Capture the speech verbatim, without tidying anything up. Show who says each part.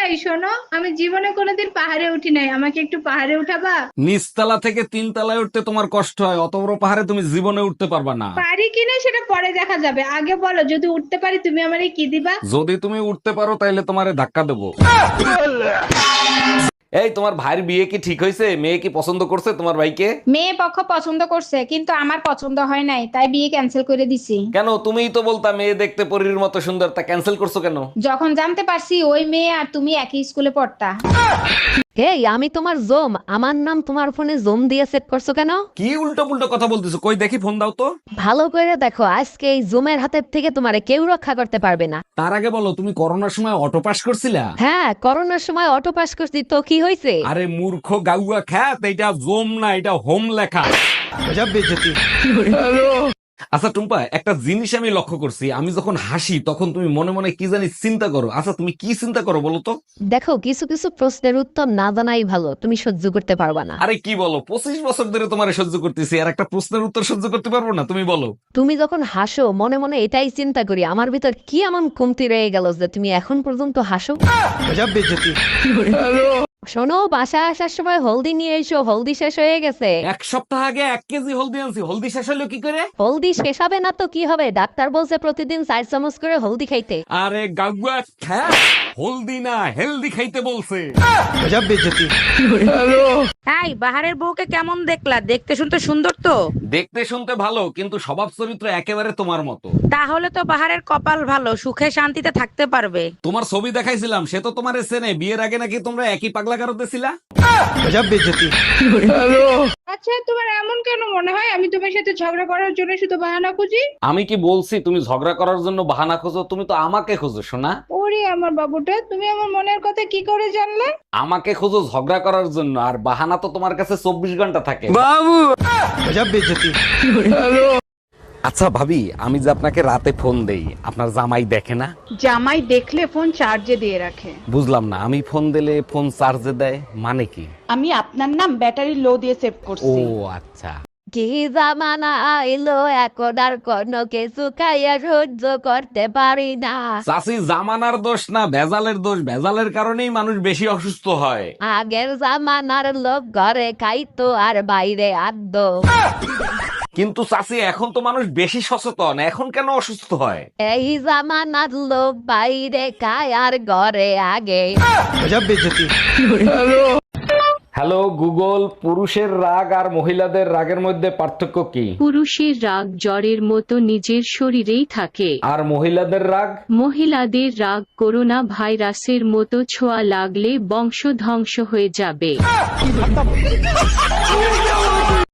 Speaker 1: এই শোনো, আমি জীবনে কোনোদিন পাহাড়ে উঠি নাই, আমাকে একটু পাহাড়ে উঠাবা?
Speaker 2: নিচতলা থেকে তিন তলায় উঠতে তোমার কষ্ট হয়, অত বড় পাহাড়ে তুমি জীবনে উঠতে পারবা না।
Speaker 1: পারি কিনা সেটা পরে দেখা যাবে, আগে বলো যদি উঠতে পারি তুমি আমারে কি দিবা?
Speaker 2: যদি তুমি উঠতে পারো তাহলে তোমারে ধাক্কা দেবো। এই তোমার ভাইয়ের বিয়ে কি ঠিক হয়েছে? মেয়ে কি পছন্দ করছে তোমার ভাইকে?
Speaker 3: মেয়ে পক্ষ পছন্দ করছে কিন্তু আমার পছন্দ হয় নাই, তাই বিয়ে ক্যান্সেল করে দিছি।
Speaker 2: কেন? তুমিই তো বলতা মেয়ে দেখতে পরীর মতো সুন্দর, তা ক্যান্সেল করছো কেন?
Speaker 3: যখন জানতে পারছি ওই মেয়ে আর তুমি একই স্কুলে পড়তা।
Speaker 4: এই আমি তোমার জোম, আমার নাম তোমার ফোনে জোম দিয়ে সেট করছো কেন?
Speaker 2: কি উল্টো পুল্টো কথা বলতেছো? কই দেখি, ফোন দাও তো।
Speaker 4: ভালো করে দেখো, আজকে এই জোমের হাতের থেকে তোমারে কেউ রক্ষা করতে পারবে না।
Speaker 2: তার আগে বলো, তুমি করোনার সময় অটো পাস করছিলা?
Speaker 4: হ্যাঁ, করোনার সময় অটো পাস করছি, তো কি হয়েছে?
Speaker 2: আরে মূর্খ গাউয়া খ্যাত, এটা জোম না, এটা হোম লেখা। আচ্ছা টুম্পা, একটা জিনিস আমি লক্ষ্য করছি, আমি যখন হাসি তখন তুমি মনে মনে কি জানি চিন্তা করো। আচ্ছা তুমি কি চিন্তা করো বলো তো?
Speaker 4: দেখো, কিছু কিছু প্রশ্নের উত্তর না জানাই ভালো, তুমি সহ্য করতে পারবা না।
Speaker 2: আরে কি বলো, পঁচিশ বছর ধরে তোমার সহ্য করতেছি, আর একটা প্রশ্নের উত্তর সহ্য করতে পারবো না? তুমি বলো।
Speaker 4: তুমি যখন হাসো মনে মনে এটাই চিন্তা করি, আমার ভিতর কি এমন কমতি রয়ে গেল যে তুমি এখন পর্যন্ত হাসো। শোনো, বাসা আসার সময় হলদি নিয়ে এসো, হলদি শেষ হয়ে গেছে।
Speaker 2: এক সপ্তাহ আগে এক কেজি হলদি আনছি, হলদি শেষ হলো কি করে?
Speaker 4: হলদি শেষ হবে না তো কি হবে, ডাক্তার বলছে প্রতিদিন চার চামচ করে হলদি খাইতে।
Speaker 2: আরে গাগুয়া খ্যাত, হলদি না হেলদি খাইতে বলছে।
Speaker 5: এই বাহারের বউকে কেমন দেখলা? দেখতে শুনতে সুন্দর তো।
Speaker 2: দেখতে শুনতে ভালো, কিন্তু স্বভাব চরিত্র একেবারে তোমার মতো।
Speaker 5: তাহলে তো বাহারের কপাল ভালো, সুখে শান্তিতে থাকতে পারবে।
Speaker 2: তোমার ছবি দেখাইছিলাম, সে তো তোমার চেনে। বিয়ের আগে নাকি তোমরা একই পাগলা গারদে ছিলা।
Speaker 1: আচ্ছা, তোমার এমন কেন মনে হয় আমি তোমার সাথে ঝগড়া করার জন্য শুধু বাহানা খুঁজি?
Speaker 2: আমি কি বলছি তুমি ঝগড়া করার জন্য বাহানা খোঁজো? তুমি তো আমাকে খোঁজো শোনা।
Speaker 1: ওরে আমার বাবুটা, তুমি আমার মনের কথা কি করে জানলে?
Speaker 2: আমাকে খোঁজো ঝগড়া করার জন্য, আর বাহানা তো তোমার কাছে চব্বিশ ঘন্টা থাকে। আচ্ছা ভাবি, আমি যে আপনাকে রাতে ফোন দেই, আপনার জামাই দেখে না?
Speaker 6: জামাই দেখলে ফোন চার্জে দিয়ে রাখে।
Speaker 2: বুঝলাম না, আমি ফোন দিলে ফোন চার্জে দেয় মানে কি?
Speaker 6: আমি আপনার নাম ব্যাটারি লো দিয়ে সেভ
Speaker 2: ও
Speaker 6: করছি।
Speaker 2: আচ্ছা।
Speaker 4: কি জামানা আইলো, এখন আর কোনো কিছু খাইয়া সহ্য করতে পারি না।
Speaker 2: চাষি, জামানার দোষ না, ভেজালের দোষ। ভেজালের কারণেই মানুষ বেশি অসুস্থ হয়।
Speaker 4: আগের জামানার লোক ঘরে খাইতো আর বাইরে আদ্য।
Speaker 2: কিন্তু চাষি, এখন তো মানুষ বেশি সচেতন, এখন কেন অসুস্থ হয়?
Speaker 4: এই জামানার লোক বাইরে খায় আর ঘরে আগে।
Speaker 2: হ্যালো গুগল, পুরুষের রাগ আর মহিলাদের রাগের মধ্যে পার্থক্য কি?
Speaker 7: পুরুষের রাগ জ্বরের মতো নিজের শরীরেই থাকে,
Speaker 2: আর মহিলাদের রাগ?
Speaker 7: মহিলাদের রাগ করোনা ভাইরাসের মতো ছোঁয়া লাগলে বংশ ধ্বংস হয়ে যাবে।